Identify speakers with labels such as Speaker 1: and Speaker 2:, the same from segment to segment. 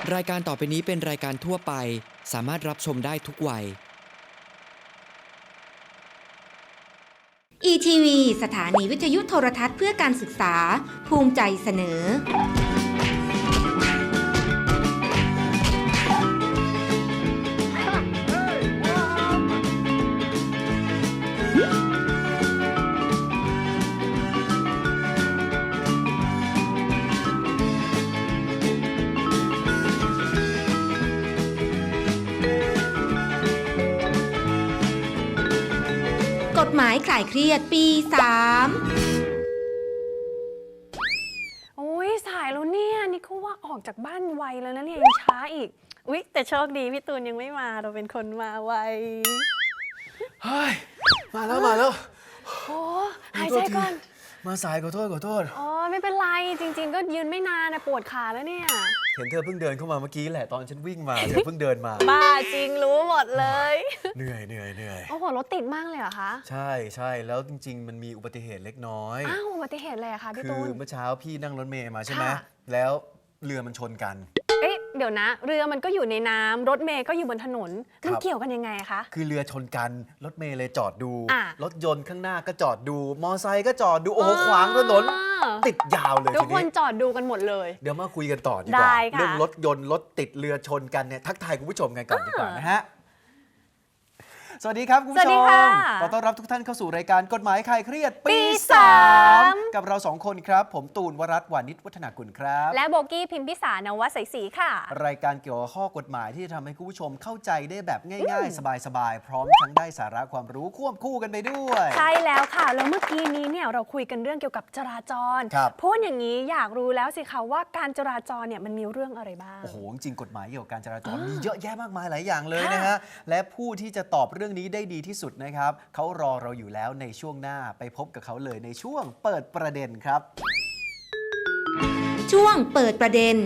Speaker 1: รายการต่อไปนี้เป็นรายการทั่วไปสามารถรับชมได้ทุกวัย
Speaker 2: ETV สถานีวิทยุโทรทัศน์เพื่อการศึกษาภูมิใจเสนอกฎหมายคลายเครียดปี
Speaker 3: โอ้ยสายแล้วเนี่ยนี่เขาว่าออกจากบ้านไวแล้วนะเนี่ยยังช้าอีกอุ๊ยแต่โชคดีพี่ตูนยังไม่มาเราเป็นคนมาไว
Speaker 4: เฮ้ยมาแล้ว
Speaker 3: โอ้หายใจก่อน
Speaker 4: มาสายขอโทษ
Speaker 3: อ๋อไม่เป็นไรจริงๆก็ยืนไม่นานนะปวดขาแล้วเนี่ย
Speaker 4: เห็นเธอเพิ่งเดินเข้ามาเมื่อกี้แหละตอนฉันวิ่งมาเธอเพิ่งเดินมา
Speaker 3: บ้าจริงรู้หมดเลย
Speaker 4: เหนื่อย
Speaker 3: โอ้โหรถติดมากเลยเหรอคะ
Speaker 4: ใช่แล้วจริงๆมันมีอุบัติเหตุเล็กน้อย
Speaker 3: อ้าวอุบัติเหตุอะไรอะคะพี่
Speaker 4: คื
Speaker 3: ตู
Speaker 4: อน เมื่อเช้าพี่นั่งรถเมล์มาใช่ไหม
Speaker 3: ค่ะ
Speaker 4: แล้วเรือมันชนกัน
Speaker 3: เอ๊ะเดี๋ยวนะ เรือมันก็อยู่ในน้ำรถเมย์ก็อยู่บนถนน
Speaker 4: ครั
Speaker 3: มัน
Speaker 4: บ
Speaker 3: เกี่ยวกันยังไงอะคะ
Speaker 4: คือเรือชนกันรถเมล์เลยจอดดู
Speaker 3: อ่ะ
Speaker 4: รถยนต์ข้างหน้าก็จอดดู มอไซค์ก็จอดดูโอ้โหขวางถนนติดยาวเลย
Speaker 3: ทุก
Speaker 4: ที
Speaker 3: คน
Speaker 4: นี้
Speaker 3: จอดดูกันหมดเลย
Speaker 4: เดี๋ยวมาคุยกันต่อดีก
Speaker 3: ได้
Speaker 4: ว่า
Speaker 3: ค่ะ
Speaker 4: เรื่องรถยนต์รถติดเรือชนกันเนี่ยทักทายคุณผู้ชมกันก่อนดีกว่านะฮะสวัสดีครับคุณผู้
Speaker 3: สวั
Speaker 4: ช
Speaker 3: สดี
Speaker 4: ม
Speaker 3: ค่ะ
Speaker 4: ขอต้อนรับทุกท่านเข้าสู่รายการกฎหมายคลายเครียด
Speaker 3: ปี
Speaker 4: ปี
Speaker 3: สาม
Speaker 4: 3กับเราสองคนครับ ผมตูนวรัตน์วานิชวัฒนากุลครับ
Speaker 3: และโบกี้พิมพิสารนวศรีศรีค่ะ
Speaker 4: รายการเกี่ยวกับข้อกฎหมายที่จะทำให้คุณผู้ชมเข้าใจได้แบบง่ายๆ สบายๆ พร้อมทั้งได้สาระความรู้ควบคู่กันไปด้วย
Speaker 3: ใช่แล้วค่ะแล้วเมื่อกี้นี้เนี่ยเราคุยกันเรื่องเกี่ยวกับจราจร
Speaker 4: ครับ
Speaker 3: พูดอย่างนี้อยากรู้แล้วสิคะว่าการจราจรเนี่ยมันมีเรื่องอะไรบ้าง
Speaker 4: โอ้โหจริงๆกฎหมายเกี่ยวกับการจราจรมีเยอะแยะมากมายหลายอย่างเลย
Speaker 3: ค่ะ
Speaker 4: นะฮะและผู้ที่จะตอบเรื่องนี้ได้ดีที่สุดนะครับเขารอเราอยู่แล้วในช่วงหน้าไปพบกับเขาเลยในช่วงเปิดประเด็นครับ
Speaker 2: 3 ช่วงเปิดประเด็น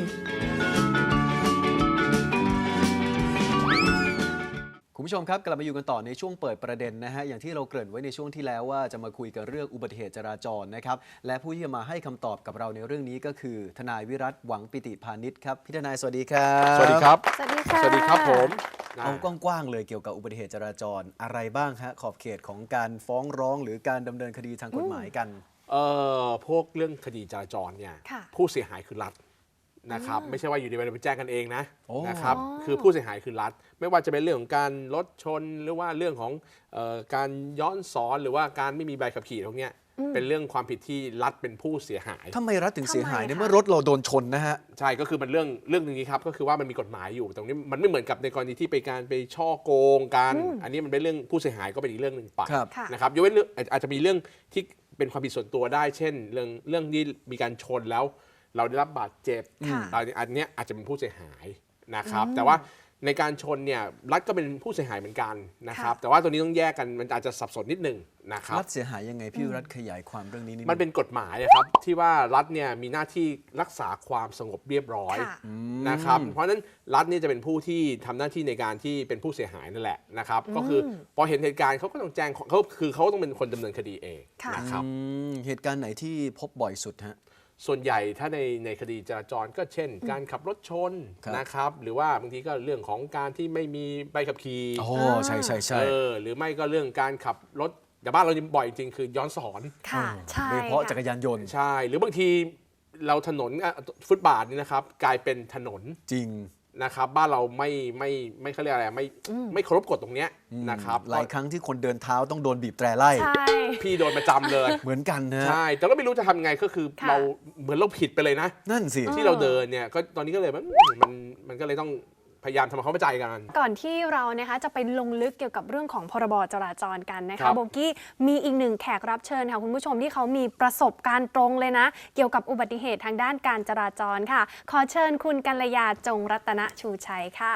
Speaker 4: คุณผู้ชมครับกลับมาอยู่กันต่อในช่วงเปิดประเด็นนะฮะอย่างที่เราเกริ่นไว้ในช่วงที่แล้วว่าจะมาคุยกันเรื่องอุบัติเหตุจราจรนะครับและผู้ที่จะมาให้คำตอบกับเราในเรื่องนี้ก็คือทนายวิรัตหวังปิติพานิชครับพี่ทนายสวัสดีครับ
Speaker 5: สวัสดีครับ
Speaker 3: สวัสดีค่ะ
Speaker 5: สวัสดีครับผม
Speaker 4: เอากว้างๆเลยเกี่ยวกับอุบัติเหตุจราจรอะไรบ้างฮะขอบเขตของการฟ้องร้องหรือการดำเนินคดีทางกฎหมายกัน
Speaker 5: พวกเรื่องคดีจราจรเนี่ย
Speaker 3: ค่ะ
Speaker 5: ผู้เสียหายคือรัฐนะครับไม่ใช่ว่าอยู่ดีๆไปแจ้งกันเองนะ
Speaker 4: โอ้
Speaker 5: นะครับคือผู้เสียหายคือรัฐ ไม่ว่าจะเป็นเรื่องของการรถชนหรือว่าเรื่องของการย้อนสอนหรือว่าการไม่มีใบขับขี่พวกเนี้ยเป็นเรื่องความผิดที่รัฐเป็นผู้เสียหาย
Speaker 4: ทำไมรัฐถึงเสียหาย
Speaker 3: ทำไม
Speaker 4: ใน
Speaker 3: คะ
Speaker 4: เมื่อรถเราโดนชนนะฮะ
Speaker 5: ใช่ก็คือมันเรื่องนึงนี้ครับก็คือว่ามันมีกฎหมายอยู่ตรงนี้มันไม่เหมือนกับในกรณีที่ไปการไปช่อโกงกันอันนี้มันเป็นเรื่องผู้เสียหายก็เป็นอีกเรื่องหนึ่งไป
Speaker 4: ครับ
Speaker 3: ค่ะ
Speaker 5: นะครับยกเว้นเรื่องอาจจะมีเรื่องที่เป็นความผิดส่วนตัวได้ เช่น เรื่องที่มีการชนแล้วเราได้รับบาดเจ็บ
Speaker 3: ค่ะ
Speaker 5: อันเนี้ยอาจจะเป็นผู้เสียหายนะครับแต่ว่าในการชนเนี่ยรัฐก็เป็นผู้เสียหายเหมือนกันนะครับแต่ว่าตัวนี้ต้องแยกกันมันอาจจะสับสนนิดหนึงนะครับ
Speaker 4: รัฐเสียหายยังไงพี่รัฐขยายความเรื่องนี้นิด
Speaker 5: มันเป็นกฎหมายนะครับที่ว่ารัฐเนี่ยมีหน้าที่รักษาความสงบเรียบร้อย
Speaker 3: ค่ะ
Speaker 5: นะครับเพราะฉะนั้นรัฐเนี่ยจะเป็นผู้ที่ทำหน้าที่ในการที่เป็นผู้เสียหายนั่นแหละนะครับก็คือพอเห็นเหตุการณ์เขาก็ต้องแจ้งเขาต้องเป็นคนดำเนินคดีเอง
Speaker 3: ค่ะ
Speaker 5: นะครับ
Speaker 4: เหตุการณ์ไหนที่พบบ่อยสุดฮะ
Speaker 5: ส่วนใหญ่ถ้าในคดีจราจรก็เช่น การขับรถชน
Speaker 4: ครับ
Speaker 5: นะครับหรือว่าบางทีก็เรื่องของการที่ไม่มีใบขับขี่
Speaker 4: โอ้ใช่
Speaker 5: หรือไม่ก็เรื่องการขับรถแต่บ้านเราบ่อยจริงๆคือย้อนสอน
Speaker 3: ค่ะใช่
Speaker 4: โดยเฉพาะ
Speaker 3: ค่
Speaker 4: จักรยานยนต์
Speaker 5: ใช่ หรือบางทีเราถนนฟุตบาทนี่นะครับกลายเป็นถนน
Speaker 4: จริง
Speaker 5: นะครับบ้านเราไม่เขาเรียกอะไรไม่เคารพกฎตรงเนี้ยนะครับ
Speaker 4: หลายครั้งที่คนเดินเท้าต้องโดนบีบแตรไล่
Speaker 3: ใช่
Speaker 5: พี่โดนประจำเลย
Speaker 4: เหมือนกันนะ
Speaker 5: ใช่แต่ก็ไม่รู้จะทำไงก็คือ
Speaker 3: ค่ะ
Speaker 5: เราเหมือนเราผิดไปเลยนะ
Speaker 4: นั่นสิ
Speaker 5: ที่เราเดินเนี่ยก็ตอนนี้ก็เลยมันก็เลยต้องพยายามทำความเข้าใจกัน
Speaker 3: ก่อนที่เรานะคะจะไปลงลึกเกี่ยวกับเรื่องของพรบจราจรกันนะ
Speaker 5: ครั
Speaker 3: คะ
Speaker 5: บ
Speaker 3: โบกี้มีอีกหนึ่งแขกรับเชิญค่ะคุณผู้ชมที่เขามีประสบการณ์ตรงเลยนะ เกี่ยวกับอุบัติเหตุทางด้านการจราจรค่ะ ขอเชิญคุณกัลยาจงรัตนชูชัยค่ะ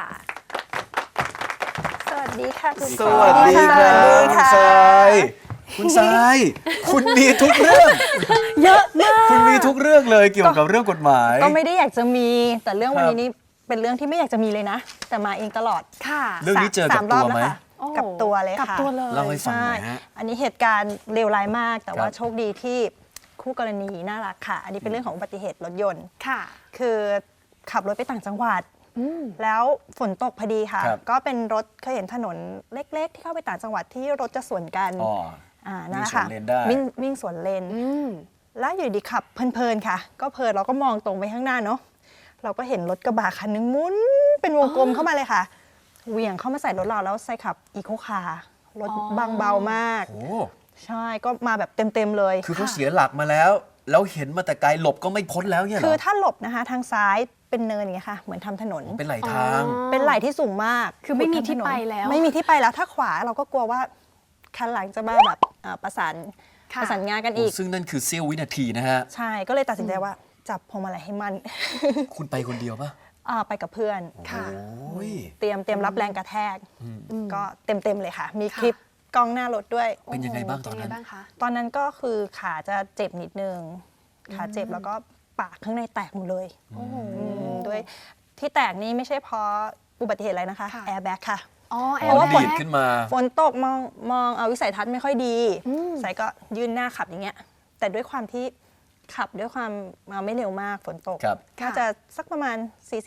Speaker 6: สวัสดีค่ะคุณ
Speaker 4: สวัสดีครับคุณทรายคุณทรายคุณมีทุกเรื่อง
Speaker 6: เยอะมาก
Speaker 4: คุณมีทุกเรื่องเลยเกี่ยวกับเรื่องกฎหมาย
Speaker 6: ก็ไม่ได้อยากจะมีแต่เรื่องวัน
Speaker 4: ครับ
Speaker 6: นี้นี่เป็นเรื่องที่ไม่อยากจะมีเลยนะ แต่มาเองตลอด
Speaker 3: ค่ะ
Speaker 4: เรื่องนี้เจอกับ
Speaker 6: สามรอบ
Speaker 4: ตัวไหม
Speaker 6: แล้วค่ะ
Speaker 3: โอ้
Speaker 6: กับตัวเลย
Speaker 3: กับ
Speaker 6: ค่ะ
Speaker 3: ตัวเลย
Speaker 4: เล่าให้ฟังหน่อยฮะ
Speaker 6: ใช่อันนี้เหตุการณ์เลวร้ายมาก แต่ว่า
Speaker 4: ครับ
Speaker 6: โชคดีที่คู่กรณีน่ารักค่ะ อันนี้เป็นเรื่องของอุบัติเหตุรถยนต์
Speaker 3: ค่ะ
Speaker 6: คือขับรถไปต่างจังหวัดแล้วฝนตกพอดีค่ะ
Speaker 4: ครับ
Speaker 6: ก็เป็นรถเคยเห็นถนนเล็กๆ ที่เข้าไปต่างจังหวัดที่รถจะสวนกัน
Speaker 4: อ๋อ
Speaker 6: นั่นแหละค่ะ
Speaker 4: วิ่งสวนเลนได้
Speaker 6: วิ่งสวนเลน แล้วอยู่ดีขับเพลินๆค่ะ ก็เพลินเราก็มองตรงไปข้างหน้าเนาะเราก็เห็นรถกระบะคันนึงหมุนเป็นวงกลมเข้ามาเลยค่ะเหวี่ยงเข้ามาใส่รถเราแล้วใส่ขับอีโคคาร์รถบางเบามาก
Speaker 4: โอ้
Speaker 6: ใช่ก็มาแบบเต็มๆเลย
Speaker 4: คือเขาเสียหลักมาแล้วเห็นมาแต่ไกลหลบก็ไม่พ้นแล้วเนี่ยเหร
Speaker 6: คือถ้าหลบนะคะทางซ้ายเป็นเนินอย่างเงี้ยค่ะเหมือนทำถนน
Speaker 4: เป็นไหลทาง
Speaker 6: เป็นไหล่ที่สูงมาก
Speaker 3: คือไม่มีที่ไปแล้ว
Speaker 6: ไม่มีที่ไปแล้วถ้าขวาเราก็กลัวว่าคันหลังจะมาแบบประสาน
Speaker 3: ค่ะ
Speaker 6: งานกันอีก
Speaker 4: ซึ่งนั่นคือเสี้ยววินาทีนะฮะ
Speaker 6: ใช่ก็เลยตัดสินใจว่าจับพวงมาลัยให้มัน
Speaker 4: คุณไปคนเดียวปะ
Speaker 6: ไปกับเพื่อน
Speaker 3: ค่ะ
Speaker 4: โอ้ย
Speaker 6: เตรียมรับแรงกระแทกก็เต็มเลยค่ะ มีคลิปกล้องหน้ารถด้วย
Speaker 4: เป็นยังไงบ้างตอน
Speaker 3: เป็
Speaker 4: นั้น
Speaker 3: ไงบ้างคะ
Speaker 6: ตอนนั้นก็คือขาจะเจ็บนิดนึงขาเจ็บแล้วก็ปากข้างในแตกหมดเลยด้วยที่แตกนี้ไม่ใช่เพราะอุบัติเหตุอะไรนะคะ
Speaker 3: ค่ะ
Speaker 6: แอร์แบ็กค่ะ
Speaker 3: อ๋อแอ
Speaker 4: เพราะ
Speaker 3: ร์
Speaker 4: ว่า
Speaker 3: แบ็
Speaker 4: ดีด
Speaker 3: ก
Speaker 4: ขึ้นมา
Speaker 6: ฝนตกมองวิสัยทัศน์ไม่ค่อยดีสายก็ยื่นหน้าขับอย่างเงี้ย แต่ด้วยความที่ขับด้วยความไม่เร็วมากฝนตก
Speaker 4: ครับ
Speaker 6: น่าจะสักประมาณ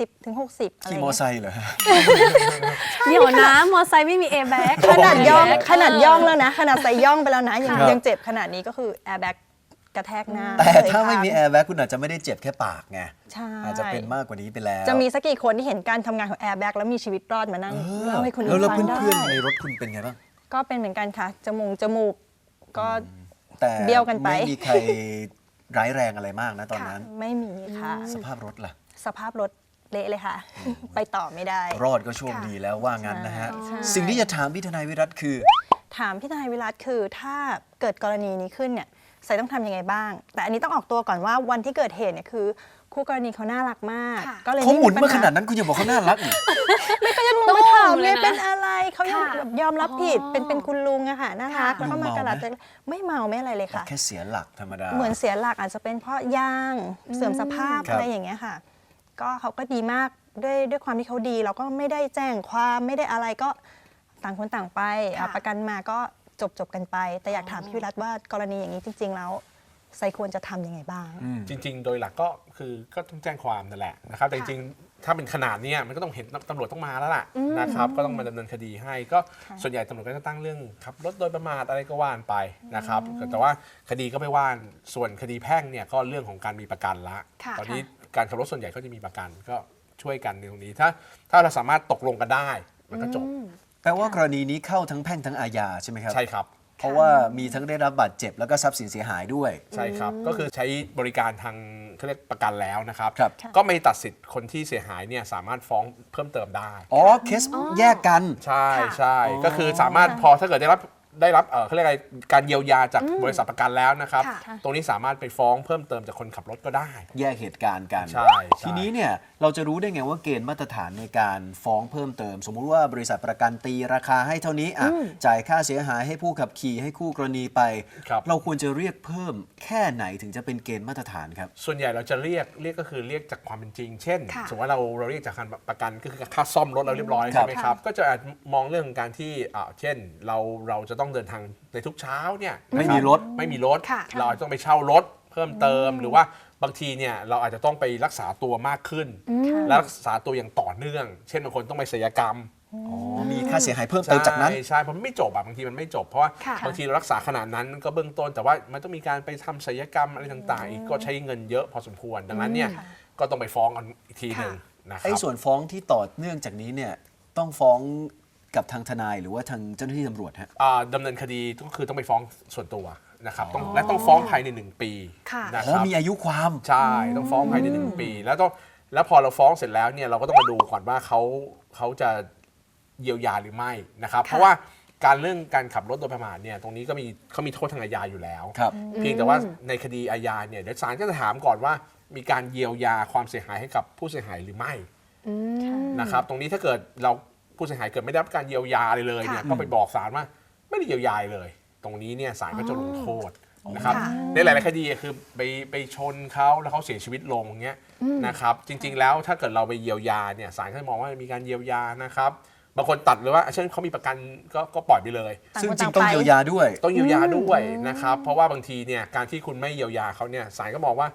Speaker 6: 40-60 อะไร
Speaker 4: ขี่
Speaker 6: เงี้ย
Speaker 4: มอไซค์เหรอฮะ
Speaker 3: เดี๋ยวนะมอไซค์ไม่มีแอร์แบ็ก
Speaker 6: ขนาดย่องแล้วนะ ขนาดใส่ย่องไปแล้วนะยังเจ็บขนาดนี้ก็คือแอร์แบ็กกระแทกหน้า
Speaker 4: แต่ถ้าไม่มี
Speaker 6: เลย
Speaker 4: แอร์แบ็กคุณอาจจะไม่ได้เจ็บแค่ปากไง
Speaker 6: ใช่
Speaker 4: อาจจะเป็นมากกว่านี้ไปแล้ว
Speaker 6: จะมีสักกี่คนที่เห็นการทำงานของแอร์แบ็กแล้วมีชีวิตรอดมานั่งเล่าให้คุณ
Speaker 4: แล้ว
Speaker 6: ฟังได้
Speaker 4: เพื่อนๆในรถคุณเป็นไงบ้าง
Speaker 6: ก็เป็นเหมือนกันค่ะจมูกก็
Speaker 4: แต่
Speaker 6: เบี้ยวกันไป
Speaker 4: ไม่มีใครร้ายแรงอะไรมากนะตอนนั้น
Speaker 6: ไม่มีค่ะ
Speaker 4: สภาพรถล่ะ
Speaker 6: สภาพรถเละเลยค่ะ ไปต่อไม่ได้
Speaker 4: รอดก็โชคดีแล้วว่างั้นนะฮะ
Speaker 6: ใช่
Speaker 4: สิ่งที่จะถามพี่ทนายวิรัตคือ
Speaker 6: ถามพี่ทนายวิรัตคือถ้าเกิดกรณีนี้ขึ้นเนี่ยใส่ต้องทำยังไงบ้าง แต่อันนี้ต้องออกตัวก่อนว่าวันที่เกิดเหตุเนี่ยคือคู่กรณีเขาน่ารักมาก
Speaker 3: ค่ะ
Speaker 6: ก็เลย
Speaker 4: เขาหมุน
Speaker 6: ปัญ
Speaker 4: มาขนาดนั้นคุณยังบอกเขาน่ารักอีก
Speaker 6: ไม่ก็ยังลงมาถามเลยเป็นอะไรเขายัง
Speaker 3: ค่ะ
Speaker 6: แบบยอมรับผิดเป็นคุณลุงอะค่ะน่ารัก
Speaker 3: ค่ะ
Speaker 6: แล้วก็มากระดาษ
Speaker 4: เมาไหม
Speaker 6: ไม่เมาไม่อะไรเลยค่ะ
Speaker 4: แค่เสียหลักธรรมดา
Speaker 6: เหมือนเสียหลักอาจจะเป็นเพราะยางเสื่อมสภาพ
Speaker 4: ครับ
Speaker 6: อะไรอย่างเงี้ยค่ะ ก็เขาก็ดีมากด้วยความที่เขาดี เราก็ไม่ได้แจ้งความไม่ได้อะไรก็ต่างคนต่างไป
Speaker 3: ค่ะ
Speaker 6: ประกันมาก็จบกันไป แต่อยากถามพี่วิรัตว่ากรณีอย่างนี้จริง ๆ แล้วไซควรจะทำยังไงบ้าง
Speaker 5: จริง ๆ โดยหลักก็คือก็ต้องแจ้งความนั่นแหละนะครับแต่จริงๆถ้าเป็นขนาดเนี้ยมันก็ต้องเห็นตำรวจต้องมาแล้วล่ะนะครับก็ต้องมาดำเนินคดีให้ก็ส่วนใหญ่ตำรวจก็จะตั้งเรื่องขับรถโดยประมาทอะไรก็ว่านไปนะครับแต่ว่าคดีก็ไม่ว่านส่วนคดีแพ่งเนี่ยก็เรื่องของการมีประกันละ
Speaker 3: ค่ะ
Speaker 5: ตอนนี้การขับรถส่วนใหญ่ก็จะมีประกันก็ช่วยกันในตรงนี้ถ้าเราสามารถตกลงกันได้มันก็จบ
Speaker 4: แปลว่ากรณีนี้เข้าทั้งแพ่งทั้งอาญาใช่ไหมครับ
Speaker 5: ใช่ครับ
Speaker 4: เพราะว่ามีทั้งได้รับบาดเจ็บแล้วก็ทรัพย์สินเสียหายด้วย
Speaker 5: ใช่ครับ ก็คือใช้บริการทางเขาเรียกประกันแล้วนะครับ
Speaker 4: ครับ
Speaker 5: ก็ไม่ตัดสิทธิ์คนที่เสียหายเนี่ยสามารถฟ้องเพิ่มเติมได้
Speaker 4: อ๋อเคสแยกกัน
Speaker 5: ใช่
Speaker 3: ค่ะ
Speaker 5: ใช่ก็คือสามารถพอถ้าเกิดได้รับเขาเรียกอะไรการเยียวยาจากบริษัทประกันแล้วนะครับ
Speaker 3: ค่ะ
Speaker 5: ตรงนี้สามารถไปฟ้องเพิ่มเติมจากคนขับรถก็ได้
Speaker 4: แยกเหตุการณ์กัน
Speaker 5: ใช่
Speaker 4: ทีนี้เนี่ยเราจะรู้ได้ไงว่าเกณฑ์มาตรฐานในการฟ้องเพิ่มเติม สมมุติว่าบริษัทประกันตีราคาให้เท่านี้อ่ะจ่ายค่าเสียหายให้ผู้ขับขี่ให้คู่กรณีไป
Speaker 5: ครับ
Speaker 4: เราควรจะเรียกเพิ่มแค่ไหนถึงจะเป็นเกณฑ์มาตรฐานครับ
Speaker 5: ส่วนใหญ่เราจะเรียกก็คือเรียกจากความเป็นจริง เช่น
Speaker 3: ค่ะ
Speaker 5: สมมติว่าเราเรียกจากการประกันก็คือค่าซ่อมรถเราเรียบร้อย
Speaker 4: ครับ
Speaker 5: ใช่ไหมครับก็จะอาจมองเรื่องของการที่เช่นเราจะต้องเดินทางในทุกเช้าเนี่ย
Speaker 4: ไม่มีรถ
Speaker 5: ไม่มีรถ
Speaker 3: ค่ะ
Speaker 5: เราอาจจะต้องไปเช่ารถเพิ่มเติมหรือว่าบางทีเนี่ยเราอาจจะต้องไปรักษาตัวมากขึ้น และรักษาตัวอย่างต่อเนื่อง เช่นบางคนต้องไปศัลยกรรม
Speaker 4: อ๋อมีค่าเสียหายเพิ่มเติมจากนั้น
Speaker 5: ใช่เพราะมันไม่จบบางทีมันไม่จบ เพราะว่า
Speaker 3: ค่ะ
Speaker 5: บางทีเรารักษาขนาดนั้นก็เบื้องต้น แต่ว่ามันต้องมีการไปทำศัลยกรรมอะไรต่างๆอีกก็ใช้เงินเยอะพอสมควร ดังนั้นเนี่ยก็ต้องไปฟ้องกันอีกทีหนึ่งนะครั
Speaker 4: ไอ้
Speaker 5: บ
Speaker 4: ส่วนฟ้องที่ต่อเนื่องจากนี้เนี่ยต้องฟ้องกับทางทนายหรือว่าทางเจ้าหน้าที่ตำรวจฮะ
Speaker 5: ดำเนินคดีก็คือต้องไปฟ้องส่วนตัวนะครับและต้องฟ้องภายใน1 ปี
Speaker 3: ค่ะ
Speaker 5: นะ
Speaker 4: อ๋
Speaker 5: ค
Speaker 4: อ
Speaker 5: รับ
Speaker 4: มีอายุความ
Speaker 5: ใช่ต้องฟ้องภายใน1 ปีแล้วพอเราฟ้องเสร็จแล้วเนี่ยเราก็ต้องมาดูก่อนว่าเขาจะเยียวยาหรือไม่นะครับเพราะว่าเรื่องการขับรถโดยประมาทเนี่ยตรงนี้เขามีโทษทางอาญาอยู่แล้ว
Speaker 4: ครับ
Speaker 5: เพียงแต่ว่าในคดีอาญาเนี่ยเดี๋ยวศาลก็จะถามก่อนว่ามีการเยียวยาความเสียหายให้กับผู้เสียหายหรือไม่นะครับตรงนี้ถ้าเกิดผู้เสียหายเกิดไม่ได้รับการเยียวยาเลยเนี่ย
Speaker 3: ค่ะ
Speaker 5: ก็ไปบอกศาลว่าไม่ได้เยียวยาเลย ตรงนี้เนี่ยศาลก็จะลงโทษนะครับ
Speaker 3: ค่ะ
Speaker 5: ในหลายๆคดีคือไปชนเขาแล้วเขาเสียชีวิตลงเงี้ยนะครับจริงๆแล้วถ้าเกิดเราไปเยียวยาเนี่ยศาลก็จะมองว่ามีการเยียวยานะครับบางคนตัดเลยว่าเช่นเขามีประกันก็ปล่อยไปเลย
Speaker 6: ต่าง
Speaker 4: ซึ่ง
Speaker 6: คน
Speaker 4: จริง
Speaker 6: ต่าง
Speaker 4: ต้อง
Speaker 6: ไป
Speaker 4: เยียวยาด้วย
Speaker 5: ต้องเยียวยาด้วยนะครับเพราะว่าบางทีเนี่ยการที่คุณไม่เยียวยาเขาเนี่ยศาลก็มองว่าค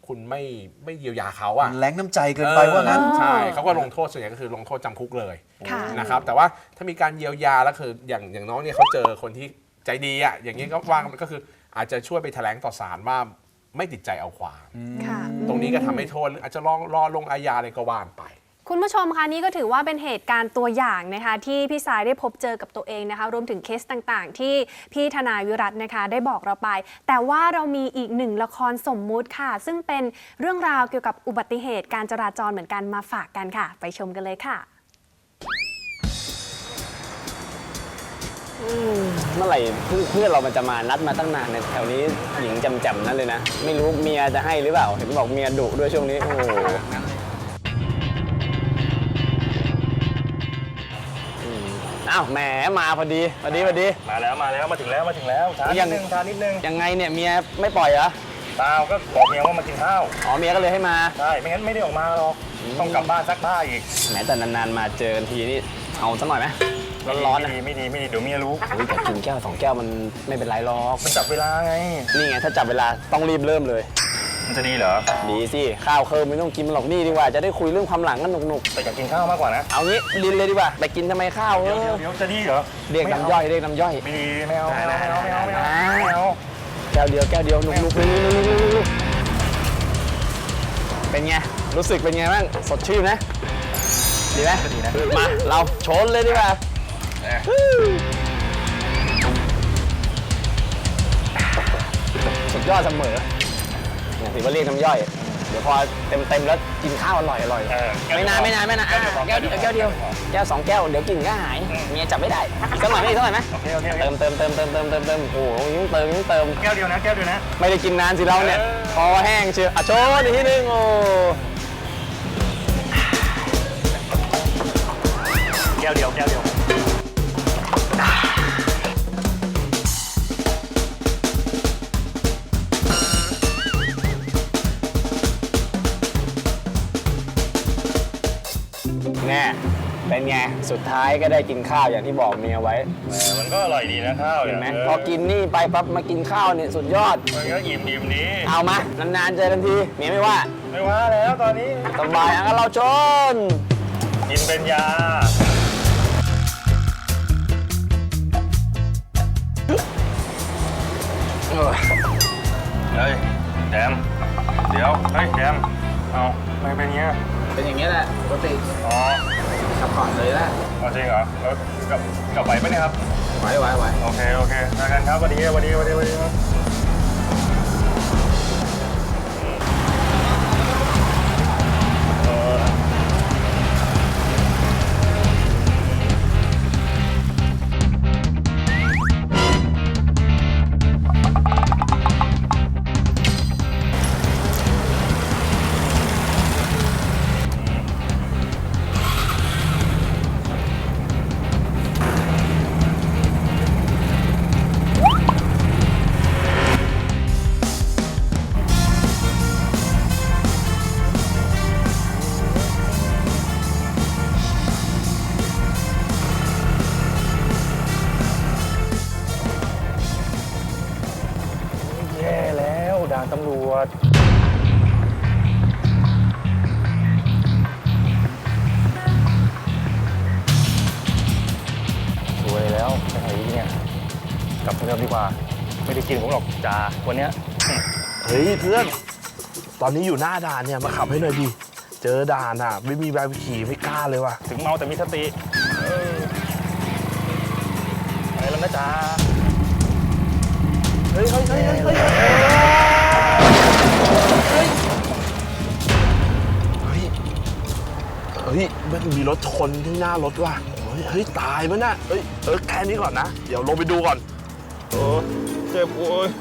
Speaker 5: คุณไม่เยียวยาเขาอะ
Speaker 4: แรงน้ำใจเกินไปว่างั้น
Speaker 5: ใช่เขาก็ลงโทษส่วนใหญ่ก็คือลงโทษจำคุกเลย
Speaker 3: ค่ะ
Speaker 5: นะครับแต่ว่าถ้ามีการเยียวยาแล้วคืออย่างน้องเนี่ยเขาเจอคนที่ใจดีอะอย่างนี้ก็ว่างก็คืออาจจะช่วยไปแถลงต่อศาลว่าไม่ติดใจเอาความ
Speaker 3: ค่ะ
Speaker 5: ตรงนี้ก็ทำให้โทษอาจจะรอลงอาญาอะไรก็ว่านไป
Speaker 3: คุณผู้ชมคะนี่ก็ถือว่าเป็นเหตุการณ์ตัวอย่างนะคะที่พี่สายได้พบเจอกับตัวเองนะคะรวมถึงเคสต่างๆ ที่พี่ทนายวิรัตนะคะได้บอกเราไป แต่ว่าเรามีอีกหนึ่งละครสมมุติค่ะ ซึ่งเป็นเรื่องราวเกี่ยวกับอุบัติเหตุการจราจรเหมือนกันมาฝากกันค่ะ ไปชมกันเลยค่ะ
Speaker 7: เมื่อไหร่เพื่อนเรามันจะมานัดมาตั้งนานในแถวนี้หญิงจำๆนั่นเลยนะ ไม่รู้เมียจะให้หรือเปล่า เห็นบอกเมียดุด้วยช่วงนี้โอ้โหอ้าวแหมมาพอดี
Speaker 8: มาแล้วมาถึงแล้วช้านิดนึง
Speaker 7: ยังไงเนี่ยเมียไม่ปล่อยเหรอ
Speaker 8: เปล่าก็บอกเมียว่ามากินข้าว
Speaker 7: อ๋อเมียก็เลยให้มา
Speaker 8: ใช่ไม่งั้นไม่ได้ออกมาหรอกต้องกลับบ้านซักผ้าอีก
Speaker 7: แหมแต่นานๆมาเจอกันทีนี่เอาสักหน่อยไหมร้อนๆนะ
Speaker 8: ไม่ดีเดี๋ยวเมียรู้
Speaker 7: โอ้ยแต่กินแก้ว2 แก้วมันไม่เป็นไรหรอก
Speaker 8: มันจับเวลาไง
Speaker 7: นี่ไงถ้าจับเวลาต้องรีบเริ่มเลย
Speaker 8: มันจะดีเหรอ
Speaker 7: ดีสิข้าวเคิร์มไม่ต้องกินมันหรอกนี่ดีกว่าจะได้คุยเรื่องความหลังกันหนุก
Speaker 8: แต่อยากกินข้าวมากกว่านะ
Speaker 7: ๆเอางี้ลินเลยดีกว่าไปกินทำไมข้าว
Speaker 8: เดี๋ยวจะดีเหรอ
Speaker 7: เรียกน้ำย่อยเรียกน้ำย่อย
Speaker 8: ไม่ดีไม่เอา
Speaker 7: แก้วเดียวหนุกๆเป็นไงรู้สึกเป็นไงบ้างสดชื่นนะดีไหมดีนะมาเราชนเลยดีกว่าสุดยอดเสมอเนี่ยถือว่าเรียกน้ำย่อยเดี๋ยวพอเต็มแล้วกินข้าวอร่อยไม่นานแก้วเดียวแก้ว2 แก้วเดี๋ยวกินก็หายเมียจับไม่ได้สักหน่อยไหม
Speaker 8: โอเค
Speaker 7: เติมโอ้โหยิ่งเติม
Speaker 8: แก้วเดียวนะ
Speaker 7: ไม่ได้กินนานสิเราเนี่ยคอแห้งเชียวโชว์อีกทีนึงโอ้
Speaker 8: แก้วเดียว
Speaker 7: แน่เป็นไงสุดท้ายก็ได้กินข้าวอย่างที่บอกเมียไว้
Speaker 8: มันก็อร่อยดีนะข้าว
Speaker 7: เห็นไหมพอกินนี่ไปปั๊บมากินข้าวเนี่ยสุดยอด
Speaker 8: มันก็อิ่มดี
Speaker 7: เอามานานๆเจอกันทีเมียไม่ว่า
Speaker 8: ไม่ว่าแล้วตอนนี้
Speaker 7: สบายงั้นเราชน
Speaker 8: กินเป็นยาเฮ้ยแดมเดี๋ยวเฮ้ยแดมเอาไม่เป็นเงี้ย
Speaker 7: เป็นอย่างนี้แหละปกติ
Speaker 8: อ๋อ
Speaker 7: ขับก่อนเลยนะ
Speaker 8: เอาจริงเหรอแล้วกลับไหวไหมเนี่ยครับ
Speaker 7: ไหว
Speaker 8: โอเคมากันครับสวัสดีครับแย่แล้วด่านตำรวจสวยแล้วไปไหนเนี่ยกลับเดิมดีกว่าไม่ได้กินผมหรอกจ่าวันเนี้ย
Speaker 9: เฮ้ยเพื่อน ตอนนี้อยู่หน้าด่านเนี่ยมาขับให้หน่อยดิ เจอด่านอ่ะ ไม่มีใบขับขี่ไม่กล้าเลยว่ะ
Speaker 8: ถึงเมาแต่มีสติไปแล้วนะจ๊ะ
Speaker 9: เฮ้ยมันมีรถชนที่หน้ารถว่ะเฮ้ยตายมั้ยน่ะแค่นี้ก่อนนะ เดี๋ยวลงไปดูก่อน
Speaker 8: เจ็บโอ้ย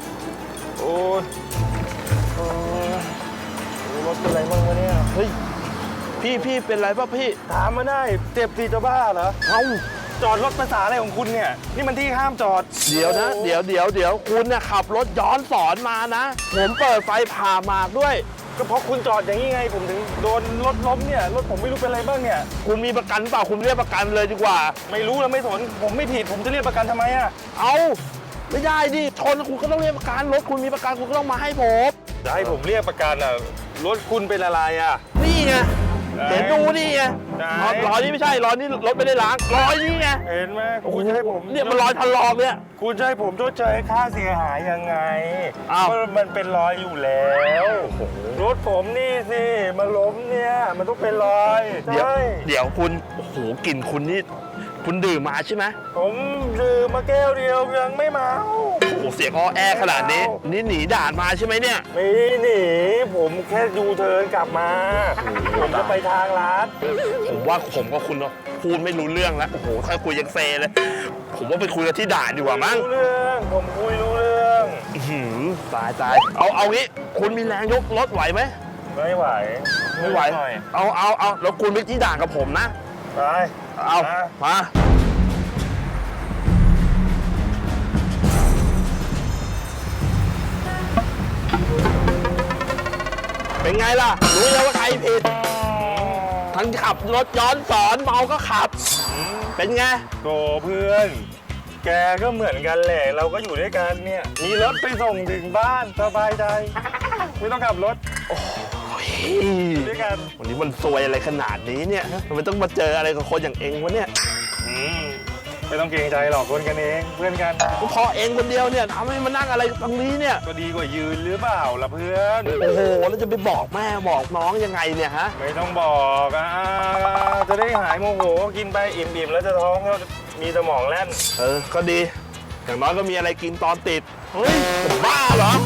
Speaker 8: รถเป็นไรบ้างวะเนี่ย
Speaker 9: เฮ้ยพี่เป็นไรป่ะพี่
Speaker 8: ถามมาได้เจ็บสิจะบ้าเหรอ
Speaker 9: เอ้า
Speaker 8: จอดรถภาษาอะไรของคุณเนี่ย นี่มันที่ห้ามจอด
Speaker 9: เดี๋ยวนะเดี๋ยวคุณเนี่ยขับรถย้อนสอนมานะ ผมเปิดไฟผ่าหมากด้วย
Speaker 8: ก็เพราะคุณจอดอย่างนี้ไง ผมถึงโดนรถล้มเนี่ย รถผมไม่รู้เป็นอะไรบ้างเนี่ย
Speaker 9: คุณมีประกันเปล่าคุณเรียกประกันเลยดีกว่า
Speaker 8: ไม่รู้แล้วไม่สน ผมไม่ผิด ผมจะเรียกประกันทำไมอะ
Speaker 9: เอาไม่ได้ดิชนคุณก็ต้องเรียกประกันรถคุณมีประกันคุณก็ต้องมาให้ผม
Speaker 8: จะให้ผมเรียกประกันอ่ะ รถคุณเป็นอะไรอ่ะ
Speaker 9: นี่ไงเห็นดูนี่ไง
Speaker 8: ไหน
Speaker 9: รอยนี้ไม่ใช่รอยนี้รถไม่ได้ล้างรอยนี้ไง
Speaker 8: เห็นไหมคุณจะให้ผม
Speaker 9: เนี่ยมันรอยถลอกเนี่ย
Speaker 8: คุณจะให้ผมชดเชยค่าเสียหายยังไง
Speaker 9: อ้าว
Speaker 8: มันเป็นรอยอยู่แล้วรถผมนี่สิมาล้มเนี่ยมันต้องเป็นรอย
Speaker 9: เดี๋ยว
Speaker 8: ใช่
Speaker 9: เดี๋ยวคุณโอ้โหกลิ่นคุณนี่คุณดื่มมาใช่ไหม
Speaker 8: ผมดื่มมาแก้วเดียวยังไม่เมา
Speaker 9: โอ้โหเสียงอ้อแอขนาดนี้นี่หนีด่านมาใช่ไหมเนี่ย
Speaker 8: ไม่หนีผมแค่ยูเทิร์นกลับมา ผมจะไปทางร้าน
Speaker 9: ผมว่าผมกับคุณเนาะพูดไม่รู้เรื่องแล้วโอ้โหค่อยคุยยังเซเลย ผมว่าไปคุยกันที่ด่านดีกว่ามั้ง
Speaker 8: รู้เรื่องผมคุยรู้เรื่อง
Speaker 9: อื้อหือตายเอางี้คุณมีแรงยกรถไหวไหม
Speaker 8: ไม่ไหว
Speaker 9: ไม่ไหว
Speaker 8: น่อย
Speaker 9: เอาแล้วคุณไปที่ด่านกับผมนะ
Speaker 8: ไป
Speaker 9: เอา
Speaker 8: มา
Speaker 9: มาเป็นไงล่ะ รู้แล้วว่าใครผิด ทั้งขับรถย้อนสอนเมาก็ขับ เป็นไง
Speaker 8: โถเพื่อน แกก็เหมือนกันแหละ เราก็อยู่ด้วยกันเนี่ย มีรถไปส่งถึงบ้านสบายใจ ไม่ต้องขับรถอยู่ด้วยกัน
Speaker 9: วันนี้มันซวยอะไรขนาดนี้เนี่ยทำไมต้องมาเจออะไรกับคนอย่างเองวะเนี่ย
Speaker 8: อืมไม่ต้องเกรงใจหรอกคนกันเองเพื่อนกัน
Speaker 9: ก็พอเองคนเดียวเนี่ยทำให้มานั่งอะไรตรงนี้เนี่ย
Speaker 8: ก็ดีกว่ายืนหรือเปล่าล่ะเพื่อน
Speaker 9: โอ้โห แล้วจะไปบอกแม่บอกน้องยังไงเนี่ยฮะ
Speaker 8: ไม่ต้องบอกจะได้หายโมโหกินไปอิ่มๆแล้วจะท้องแล้วมีสมองแล่น
Speaker 9: ก็ดี อย่างน้อยก็มีอะไรกินตอนติด เฮ้ยจะบ้าเหรอ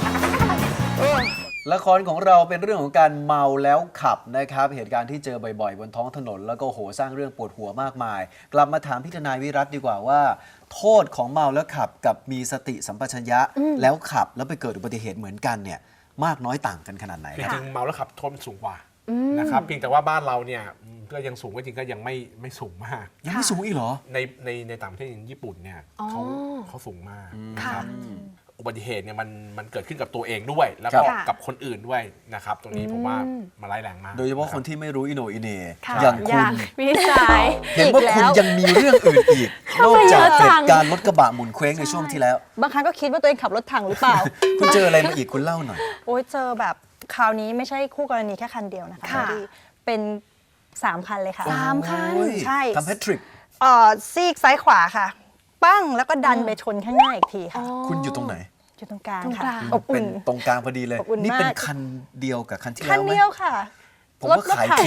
Speaker 4: ละครของเราเป็นเรื่องของการเมาแล้วขับนะครับเหตุการณ์ที่เจอบ่อยๆ บนท้องถนนแล้วก็โหสร้างเรื่องปวดหัวมากมาย กลับมาถามพี่ทนายวิรัตดีกว่าว่า โทษของเมาแล้วขับกับมีสติสัมปชัญญะแล้วขับแล้วไปเกิดอุบัติเหตุเหมือนกันเนี่ยมากน้อยต่างกันขนาดไหน
Speaker 5: จ
Speaker 4: ครับ
Speaker 5: ริงๆเมาแล้วขับโทษมันสูงกว่านะครับเพียงแต่ว่าบ้านเราเนี่ยก็ยังสูงก็จริงก็ยังไม่สูงมาก
Speaker 4: ยังไม่สูงอีกเหรอ
Speaker 5: ในต่างประเทศอย่างญี่ปุ่นเนี่ยเขาสูงมากนะครับอุบัติเหตุเนี่ยมันเกิดขึ้นกับตัวเองด้วย แล้วก็
Speaker 3: ค่ะ
Speaker 5: กับคนอื่นด้วยนะครับตรงนี้ผมว่ามันร้ายแรงมาก
Speaker 4: โดยเฉพาะคนที่ไม่รู้อิโหนอิเหน่
Speaker 3: ค่ะ
Speaker 4: อย่างคุณ
Speaker 3: พี่สาย
Speaker 4: เห็นว่าคุณยังมีเรื่องอื่นอีก นอกจากเหตุการณ์รถกระบะหมุนเคว้งในช่วงที่แล้ว
Speaker 6: บางครั้งก็คิดว่าตัวเองขับรถถังหรือเปล่า
Speaker 4: คุณเจออะไรมาอีกคุณเล่าหน่อย
Speaker 6: โอ้ยเจอแบบคราวนี้ไม่ใช่คู่กรณีแค่คันเดียวนะคะ
Speaker 3: ค่ะ
Speaker 6: ที่เป็น3 คันเลยค่ะ
Speaker 3: 3 คัน
Speaker 4: โอ้ย
Speaker 6: ใช่
Speaker 4: ทำแพทริก
Speaker 6: ซีกซ้ายขวาค่ะ ปั้งแล้วก็ดันไปชนข้างหน้าอีกทีค่ะ
Speaker 4: คุณอยู่ตรงไหน
Speaker 6: อยู่ตรงกลาง
Speaker 3: ตรงก
Speaker 6: ค่ะ
Speaker 3: ลาง
Speaker 6: อบ
Speaker 4: เป็
Speaker 6: อุ่
Speaker 4: น
Speaker 6: น
Speaker 4: ตรงกลางพอดีเลย
Speaker 6: อบอุ่น
Speaker 4: นี่เป็น
Speaker 6: มาก
Speaker 4: คันเดียวกับคันที่
Speaker 6: คั
Speaker 4: แล้
Speaker 6: น
Speaker 4: วไหม
Speaker 6: เดียวค่ะ
Speaker 4: ผมว่าขายทิ้ง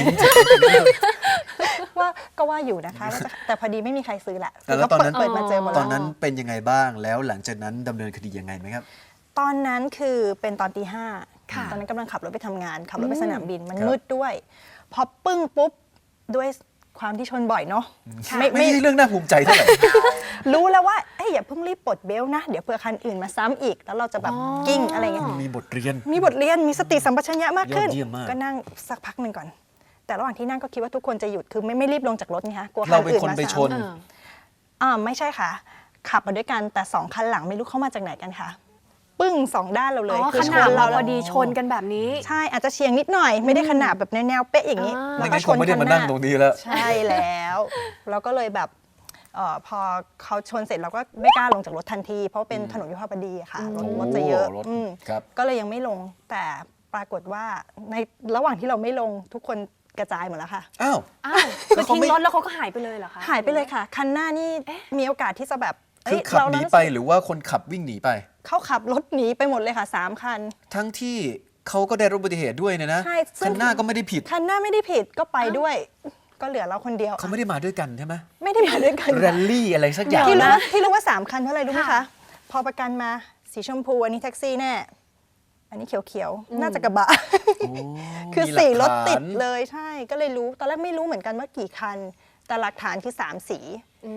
Speaker 6: ว่าก็ว่าอยู่นะคะว่าจะแต่พอดีไม่มีใครซื้อแหละ
Speaker 4: แล้วตอนนั้น
Speaker 6: เปิดมาเจอหมด
Speaker 4: ต
Speaker 6: แล้
Speaker 4: อ
Speaker 6: วน
Speaker 4: นั้นเป็นยังไงบ้างแล้วหลังจากนั้นดำเนินคดียังไงไหมครับ
Speaker 6: ตอนนั้นคือเป็นตอนตี
Speaker 3: ค่ะ
Speaker 6: 5ตอนนั้นกำลังขับรถไปทำงาน ขับรถไปสนามบินมัน
Speaker 4: ครับ
Speaker 6: มืดด้วย พอปึ้งปุ๊บด้วยความที่ชนบ่อยเนาะ
Speaker 4: ไม่ใช่เรื่องน่าภูมิใจเท่าไหร่
Speaker 6: รู้แล้วว่าเอ้ยอย่าเพิ่งรีบปลดเบลต์นะ เดี๋ยวเผื่อคันอื่นมาซ้ำอีก แล้วเราจะแบบกิ้งอะไรเงี้ย
Speaker 4: มีบทเรียน
Speaker 6: มีบทเรียนมีสติสัมปชัญญะมากขึ้น
Speaker 4: ยอดเยี่ยมมาก
Speaker 6: ก็นั่งสักพักหนึ่งก่อน แต่ระหว่างที่นั่งก็คิดว่าทุกคนจะหยุดคือไม่รีบลงจากรถไงคะกลัวคั
Speaker 4: เรา
Speaker 6: น
Speaker 4: เป็น
Speaker 6: อื่น
Speaker 4: คน
Speaker 6: มา
Speaker 4: ไปช
Speaker 6: ซ้
Speaker 4: น
Speaker 6: ไม่ใช่ค่ะ ขับมาด้วยกันแต่2 คันหลังไม่รู้เข้ามาจากไหนกันค่ะ ปึ้ง2 ด้านเราเลย
Speaker 3: อ๋อ
Speaker 6: คื
Speaker 3: ข
Speaker 6: ช
Speaker 3: นาด
Speaker 6: น
Speaker 3: เรา
Speaker 6: เรา
Speaker 3: พอดีชนกันแบบนี้
Speaker 6: ใช่อาจจะเฉียงนิดหน่อย ไม่ได้ขนาดแบบแนวๆเป๊ะอย่างนี้
Speaker 3: อ่า
Speaker 6: แล้ว
Speaker 4: ไม่
Speaker 6: ก็
Speaker 4: งั้น
Speaker 6: ช
Speaker 4: คง
Speaker 6: น
Speaker 4: ไม่ได้
Speaker 6: คัน
Speaker 4: มา
Speaker 6: ห
Speaker 4: นั่
Speaker 6: น้าง
Speaker 4: ตรงนี้แล้ว
Speaker 6: ใช่แล้วเราก็เลยแบบพอเขาชนเสร็จเราก็ไม่กล้าลงจากรถทันที เพราะเป็นถนนวิภาวดีอะค่ะรถจะเยอะ
Speaker 4: รถ
Speaker 6: อืม
Speaker 4: ครับ
Speaker 6: ก็เลยยังไม่ลงแต่ปรากฏว่าในระหว่างที่เราไม่ลงทุกคนกระจายหมดแล้วค่ะ
Speaker 4: อ้าว
Speaker 3: อ้าวคือทิ้งรถแล้วเขาก็หายไปเลยเหรอคะ
Speaker 6: หายไปเลยค่ะ คันหน้านี่มีโอกาสที่จะแบบ
Speaker 4: คือขับหนีไปหรือว่าคนขับวิ่งหนีไป
Speaker 6: เขาขับรถหนีไปหมดเลยค่ะ3 คัน
Speaker 4: ทั้งที่เขาก็ได้รับอุบัติเหตุด้วยเนี่ยนะ
Speaker 6: ใช่ซึ่ง
Speaker 4: คันหน้าก็ไม่ได้ผิด
Speaker 6: คันหน้าไม่ได้ผิดก็ไปด้วย ก็เหลือเราคนเดียว
Speaker 4: เขาไม่ได้มาด้วยกันใช่ไหม
Speaker 6: ไม่ได้มาด้วยกัน
Speaker 4: แรลลี่อะไรสักอย่าง
Speaker 6: ที่รู้ว่า3 คันเพราะอะไรรู้ไหมคะ พอประกันมาสีชมพูอันนี้แท็กซี่แน่อันนี้เขียวๆน่าจะกระบะ คือ
Speaker 4: มีหลัก
Speaker 6: สีรถติด
Speaker 4: ฐาน
Speaker 6: เลยใช่ก็เลยรู้ตอนแรกไม่รู้เหมือนกันว่ากี่คัน แต่หลักฐานคือ3 สี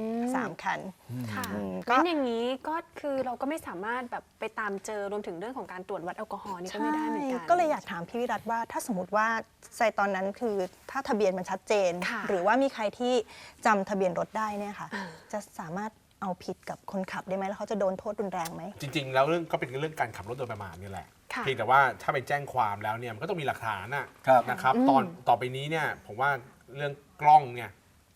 Speaker 6: 3 คัน
Speaker 3: ค่ะ
Speaker 6: ก็
Speaker 3: งั้นอย่างนี้ก็คือเราก็ไม่สามารถแบบไปตามเจอรวมถึงเรื่องของการตรวจวัดแอลกอฮอล์นี่ก็ไม่ได้เหมือนกัน
Speaker 6: ก็เลยอยากถามพี่วิรัตว่าถ้าสมมติว่าในตอนนั้นคือถ้าทะเบียนมันชัดเจน
Speaker 3: ค่ะ
Speaker 6: หรือว่ามีใครที่จำทะเบียนรถได้เนี่ยค่ะ จะสามารถเอาผิดกับคนขับได้ไหมแล้วเขาจะโดนโทษรุนแรงไหม
Speaker 5: จริงๆ แล้วเรื่องก็เป็นเรื่องการขับรถโดยประมาทนี่แหละ
Speaker 3: ค่ะ
Speaker 5: เพียงแต่ว่าถ้าไปแจ้งความแล้วเนี่ยมันก็ต้องมีหลักฐาน
Speaker 4: ครับ
Speaker 5: นะครับต่อไปนี้เนี่ยผมว่าเรื่องกล้องเนี่ย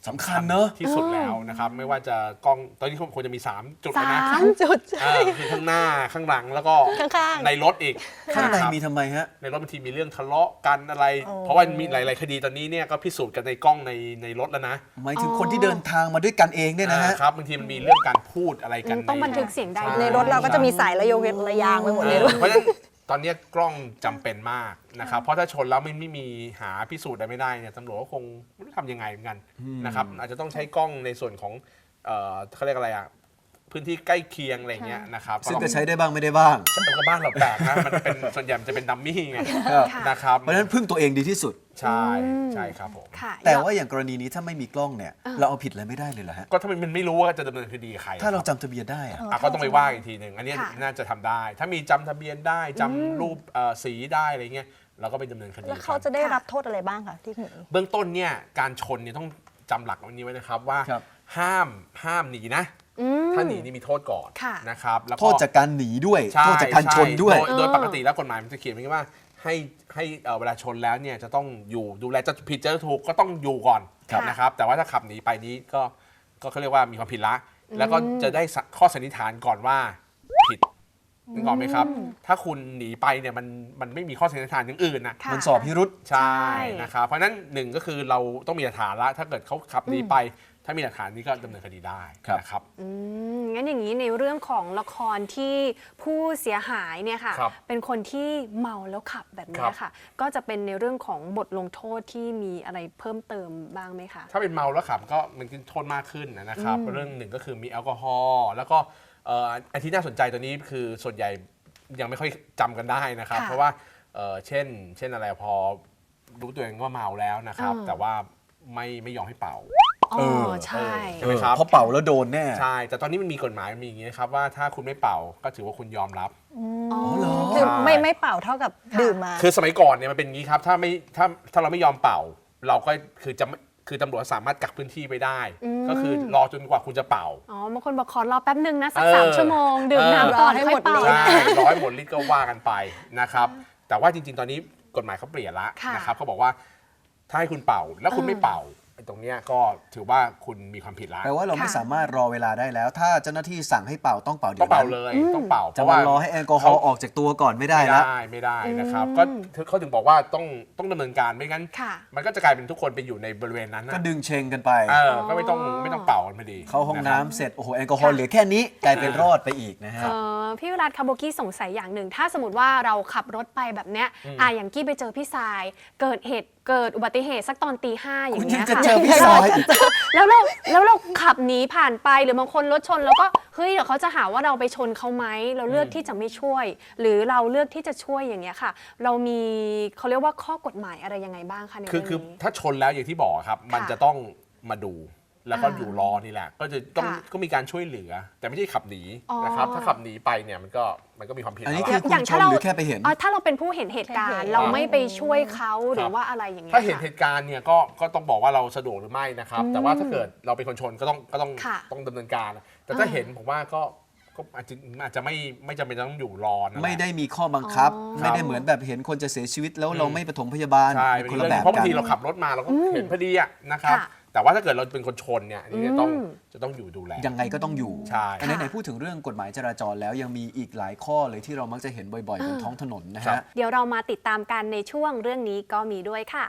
Speaker 4: สำคัญเนอะ
Speaker 5: ที่สุดแล้วนะครับไม่ว่าจะกล้องตอนนี้ควรจะมี 3 จุดแล้วนะ
Speaker 6: จุด
Speaker 5: คือข้างหน้าข้างหลังแล้วก็
Speaker 6: ข้างๆ
Speaker 5: ในรถอีก
Speaker 4: ข้างใน
Speaker 5: นะครับ
Speaker 4: มีทำไมฮะ
Speaker 5: ในรถบางทีมีเรื่องทะเลาะกันอะไร
Speaker 6: อ๋อ
Speaker 5: เพราะว่ามีหลาย ๆ คดีตอนนี้เนี่ยก็พิสูจน์กันในกล้องในรถแล้วนะ
Speaker 4: หมายถึงคนที่เดินทางมาด้วยกันเองเนี่ยนะฮะ
Speaker 5: ครับบางทีมันมีเรื่องการพูดอะไรกัน
Speaker 3: ต้องบันทึกเสียงได้
Speaker 6: ในรถเราก็จะมีสายระยงระยางไปหมดเลยด้วย
Speaker 5: เพราะฉะนั้นตอนนี้กล้องจำเป็นมากนะครับเพราะถ้าชนแล้วไม่มีหาพิสูจน์อะไรไม่ได้เนี่ยตำรวจก็คงไม่รู้ทำยังไงเหมือนกันนะครับอาจจะต้องใช้กล้องในส่วนของเขาเรียกอะไรอ่ะพื้นที่ใกล้เคียงอะไรเงี้ยนะครับ
Speaker 4: ซึ่งก็ใช้ได้บ้างไม่ได้บ้าง
Speaker 5: แต่ก็บ้านเราแปลกนะมันเป็นส่วนใหญ่มันจะเป็นดัมมี่ไง
Speaker 3: ค่ะ
Speaker 5: นะครับ
Speaker 4: เพราะฉะนั้นพึ่งตัวเองดีที่สุด
Speaker 5: ใช่ใช่ครับผม
Speaker 3: ค่ะ
Speaker 4: แต่ว่าอย่างกรณีนี้ถ้าไม่มีกล้องเนี่ย เราเอาผิดอะไรไม่ได้เลยเหรอฮะ
Speaker 5: ก็ถ้ามันไม่รู้ว่าจะดำเนินคดีกับใคร
Speaker 4: ถ้าเรา
Speaker 5: คบ
Speaker 4: จำทะเบียนได้อะ
Speaker 5: ก็ต้องไปว่าอีกทีหนึ่งอันนี้
Speaker 3: ค่ะ
Speaker 5: น่าจะทำได้ ถ้ามีจำทะเบียนได้จำรูปสีได้อะไรเงี้ยเราก็ไปดำเนินคดี
Speaker 6: แล้วเขาจะได้รับโทษอะไรบ้างคะที่หนี
Speaker 5: เบื้องต้นเนี่ยการชนเนี่ยต้องจำหลักวันนี้ไว้นะครับว่า
Speaker 4: ครับ
Speaker 5: ห้ามหนีนะ ถ้าหนีนี่มีโทษก่อน
Speaker 3: ค่ะ
Speaker 5: นะครับแล้ว
Speaker 4: โทษจากการหนีด้วย
Speaker 5: ใช่
Speaker 4: โทษจากการชนด้วย
Speaker 5: โดยปกติแล้วกฎหมายมันจะเขียนไว้ว่าให้เวลาชนแล้วเนี่ยจะต้องอยู่ดูแลจะผิดจะถูกก็ต้องอยู่ก่อน
Speaker 3: ครับ
Speaker 5: นะครับแต่ว่าถ้าขับหนีไปนี้ก็เขาเรียกว่ามีความผิดละ แล้วก็จะได้ข้อสันนิษฐานก่อนว่าผิดนึกออกไหมครับ ถ้าคุณหนีไปเนี่ยมันไม่มีข้อสันนิษฐานอย่างอื่นนะ
Speaker 3: ค่ะ
Speaker 4: มันสอบพิรุษ
Speaker 5: ใช่
Speaker 3: ใช่
Speaker 5: นะครับเพราะฉะนั้นหนึ่งก็คือเราต้องมีหลักฐานละถ้าเกิดเขาขับหนีไป ถ้ามีหลักฐานนี้ก็ดำเนินคดีได้นะครับ
Speaker 3: งั้นอย่างนี้ในเรื่องของละครที่ผู้เสียหายเนี่ยค่ะ
Speaker 5: ครับ
Speaker 3: เป็นคนที่เมาแล้วขับแบบนี้ค่ะ ก็จะเป็นในเรื่องของบทลงโทษที่มีอะไรเพิ่มเติมบ้างไหมคะ
Speaker 5: ถ้าเป็นเมาแล้วขับก็มันโทษมากขึ้นนะครับเรื่องหนึ่งก็คือมีแอลกอฮอล์แล้วก็อันที่น่าสนใจตัวนี้คือส่วนใหญ่ยังไม่ค่อยจำกันได้นะครับ
Speaker 3: ค่ะ
Speaker 5: เพราะว่าเช่นอะไรพอรู้ตัวเองว่าเมาแล้วนะครับ แต่ว่าไม่ยอมให้เป่า
Speaker 3: อ๋อใช่
Speaker 5: ใช่ไหมครับ
Speaker 4: เพราะเป่าแล้วโดนแน่
Speaker 5: ใช่แต่ตอนนี้มันมีกฎหมายมีอย่างนี้นะครับว่าถ้าคุณไม่เป่าก็ถือว่าคุณยอมรับ
Speaker 3: อ๋อ
Speaker 4: เหรอ
Speaker 6: คือไม่เป่าเท่ากับดื่มมา
Speaker 5: คือสมัยก่อนเนี่ยมันเป็นอย่างนี้ครับถ้าเราไม่ยอมเป่า เราก็คือตำรวจสามารถกักพื้นที่ไว้ได้ ก็คือรอจนกว่าคุณจะเป่า
Speaker 3: อ๋อบางคนบอกขอรอแป๊บนึงนะสัก
Speaker 5: เออ
Speaker 3: 3 ชั่วโมง ดื่มน้ำก่อน
Speaker 6: ให้
Speaker 3: ค่
Speaker 6: หม
Speaker 3: อย
Speaker 6: ด
Speaker 3: เป่า
Speaker 5: ใช่ร้อยหมดลิตรก็ว่ากันไปนะครับ แต่ว่าจริงๆ ตอนนี้กฎหมายเขาเปลี่ยนละ
Speaker 3: ค่ะ
Speaker 5: นะครับเขาบอกว่าถ้าให้คุณเป่าแล้วคุณไม่เป่าไอ้ตรงเนี้ยก็ถือว่าคุณมีความผิดละ
Speaker 4: แปลว่าเราไม่สามารถรอเวลาได้แล้ว ถ้าเจ้าหน้าที่สั่งให้เป่าต้องเป่าเดี๋
Speaker 5: ต้
Speaker 4: ย
Speaker 5: อง
Speaker 4: ว
Speaker 5: เป่า
Speaker 4: นั้น
Speaker 5: เลยต้องเป่า
Speaker 4: จะมารอให้แอลกอฮอล์ออกจากตัวก่อนไม่ได้แล้ว
Speaker 5: ไม่ได้นะครับก็เขาถึงบอกว่าต้องดำเนินการไม่งั้น
Speaker 3: ค่ะ
Speaker 5: มันก็จะกลายเป็นทุกคนไปอยู่ในบริเวณนั้น
Speaker 4: ก็
Speaker 5: นะ
Speaker 4: ดึงเชงกันไป
Speaker 5: ก็ไม่ต้องเป่ากันพอดี
Speaker 4: เข้าห้อง
Speaker 5: ะครับ
Speaker 4: น้ำเสร็จ โอ้โห แอลกอฮอล์เหลือแค่นี้ กลายเป็นรอดไปอีกนะฮะ
Speaker 3: พี่วิรัตคาโบกี้สงสัยอย่างหนึ่ง ถ้าสมมติว่าเราขับรถไปแบบเนี้ยอย่างกี้ไปเจอพี่ทรายเกิดอุบัติเหตุสักตอนตี 5อย่าง
Speaker 4: คุณ
Speaker 3: เงี้
Speaker 4: ยัง
Speaker 3: ย
Speaker 4: จะ
Speaker 3: ค่ะ
Speaker 4: เจอพี่ซอย
Speaker 3: แล้วเราขับหนีผ่านไปหรือบางคนรถชนแล้วก็เฮ้ยเดี๋ยวเขาจะหาว่าเราไปชนเขาไหมเราเลือกที่จะไม่ช่วย หรือเราเลือกที่จะช่วยอย่างเงี้ยค่ะ เรามีเขาเรียกว่าข้อกฎหมายอะไรยังไงบ้างคะใน
Speaker 5: คือ
Speaker 3: เรื่อง
Speaker 5: คือ
Speaker 3: นี้
Speaker 5: ถ้าชนแล้วอย่างที่บอกครับ มันจะต้องมาดูแล้วก็
Speaker 3: อ่า
Speaker 5: อยู่รอนี่แหละ ก็จะต้อง
Speaker 3: ค่ะ
Speaker 5: ก็มีการช่วยเหลือ แต่ไม่ใช่ขับหนี
Speaker 3: อ๋อ
Speaker 5: นะครับถ้าขับหนีไปเนี่ยมันก็มีความผิด
Speaker 4: อันนี้
Speaker 5: แล้ว
Speaker 4: คือ
Speaker 5: ล่ะ
Speaker 4: คุณชนหรือแค่ไปเห็น
Speaker 3: ถ้าเราเป็นผู้เห็นเหตุการณ์ เราไม่ไปช่วยเขาหรือว่าอะไรอย่างเงี้ย
Speaker 5: ถ้าเห็น
Speaker 3: ค่ะ
Speaker 5: เหตุการณ์เนี่ยก็ต้องบอกว่าเราสะดวกหรือไม่นะครับ แต่ว่าถ้าเกิดเราเป็นคนชนก็ต้อง
Speaker 3: ค่ะ
Speaker 5: ต้องดำเนินการ แต่ถ้าเห็นผมว่าก็อาจจะไม่จำเป็นต้องอยู่รอนะ
Speaker 4: ไม่ได้มีข้อบังคับ
Speaker 3: อ๋อ
Speaker 4: ไม่ได้เหมือนแบบเห็นคนจะเสียชีวิตแล้วเราไม่ปฐมพยาบาล
Speaker 5: ใช่
Speaker 4: คนละแบบ
Speaker 5: เพราะบา
Speaker 4: กั
Speaker 5: ง
Speaker 4: น
Speaker 5: ทีเราขับรถมาเราก็เห็นพอดีอะนะครับ
Speaker 3: ค่ะ
Speaker 5: แต่ว่าถ้าเกิดเราเป็นคนชนเนี่ยอันนี้จะต้องอยู่ดูแล
Speaker 4: ยังไงก็ต้องอยู่
Speaker 5: ใช่
Speaker 4: อันนี้ไหนพูดถึงเรื่องกฎหมายจราจรแล้วยังมีอีกหลายข้อเลยที่เรามักจะเห็นบ่อยๆบนท้องถนนนะ
Speaker 5: ครั
Speaker 4: ฮะ
Speaker 5: บ
Speaker 3: เดี๋ยวเรามาติดตามกันในช่วงเรื่องนี้ก็มีด้วยค่ะ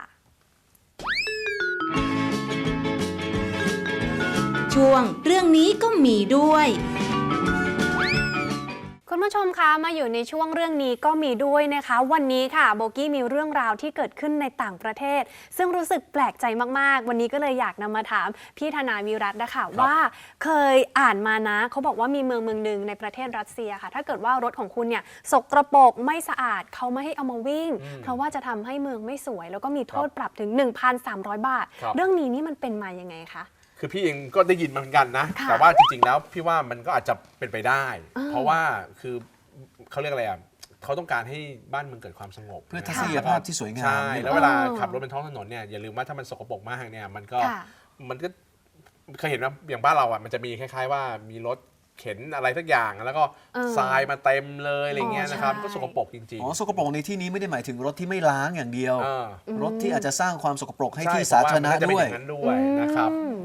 Speaker 2: ช่วงเรื่องนี้ก็มีด้วย
Speaker 3: คุณผู้ชมคะมาอยู่ในช่วงเรื่องนี้ก็มีด้วยนะคะ วันนี้ค่ะโบกี้มีเรื่องราวที่เกิดขึ้นในต่างประเทศ ซึ่งรู้สึกแปลกใจมากๆ วันนี้ก็เลยอยากนำมาถามพี่ธนาวิรัตน์นะคะว่าเคยอ่านมานะเขาบอกว่ามีเมืองหนึ่งในประเทศรัสเซียค่ะ ถ้าเกิดว่ารถของคุณเนี่ยสกปรกไม่สะอาดเขาไม่ให้เอามาวิ่ง เพราะว่าจะทำให้เมืองไม่สวย แล้วก็มีโทษปรับถึง 1,300 บาท
Speaker 5: ครับ
Speaker 3: เรื่องนี้นี่มันเป็นมายังไงคะ
Speaker 5: คือพี่เองก็ได้ยินมาเหมือนกันนะ
Speaker 3: ค่ะ
Speaker 5: แต่ว่าจริงๆแล้วพี่ว่ามันก็อาจจะเป็นไปได้ เพราะว่าคือเขาเรียกอะไรอ่ะเขาต้องการให้บ้านเมืองเกิดความสงบ
Speaker 4: เพื่อทัศนียภาพที่สวยงาม
Speaker 5: ใช่
Speaker 4: นี่
Speaker 5: แล้วเวลาขับรถบนท้องถนนเนี่ยอย่าลืมว่าถ้ามันสกปรกมากเนี่ยมันก็
Speaker 3: ค่ะ
Speaker 5: เคยเห็นว่าอย่างบ้านเราอ่ะมันจะมีคล้ายๆว่ามีรถเข็นอะไรสักอย่างแล้วก็ทรายมาเต็มเลยอะไรเงี้ยนะครับ
Speaker 3: ใช่
Speaker 5: ก็สกปรกจริง
Speaker 4: อ๋อสกปรกในที่นี้ไม่ได้หมายถึงรถที่ไม่ล้างอย่างเดียว
Speaker 5: ๆ
Speaker 4: รถที่อาจจะสร้างความสกปรกให้ที่
Speaker 5: ช่
Speaker 4: สาธารณะ
Speaker 5: ผมว่มันน่จเป็
Speaker 4: ด้วย
Speaker 5: อย่างนั้นด้วยนะครับ